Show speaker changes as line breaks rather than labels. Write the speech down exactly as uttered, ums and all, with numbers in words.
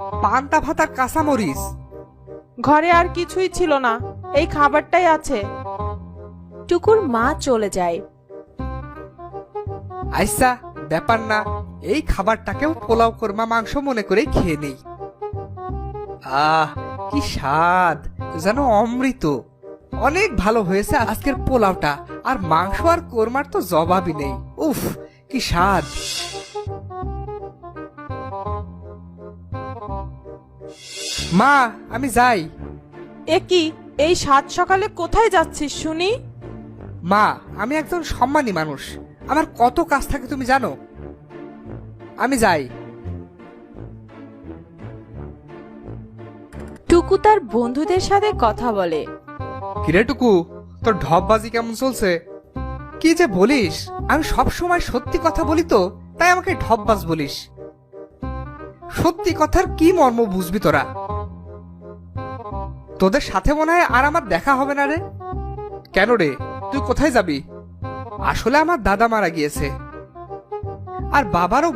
পান্তা ভাত আর কাঁচামরিচ।
ঘরে আর কিছুই ছিল না, এই খাবারটাই আছে।
টুকুর মা চলে যায়।
আইসা ব্যাপার না, এই খাবারটাকেও পোলাও কোরমা মাংস মনে করে খেয়ে নেই। আহ কি স্বাদ, যেন অমৃত। অনেক ভালো হয়েছে আজকের পোলাওটা, আর মাংস আর কোরমার তো জবাবই নেই। উফ কি স্বাদ। মা আমি যাই।
এ কি, এই সাত সকালে কোথায় যাচ্ছিস শুনি?
মা আমি একজন সম্মানী মানুষ, আমার কত কাজ থাকে তুমি জানো। আমি যাই।
টুকু তার বন্ধুদের সাথে কথা বলে।
কিরে টুকু, তোর ঢপবাজি কেমন চলছে? কি যে বলিস, আমি সব সময় সত্যি কথা বলি তো, তাই আমাকে ঢপবাজ বলিস। সত্যি কথার কি মর্ম বুঝবি তোরা? তোদের সাথে মনে হয় আর আমার দেখা হবে না রে। কেন রে, তুই কোথায় যাবি? আসলে আমার দাদা মারা গিয়েছে, আর বাবারও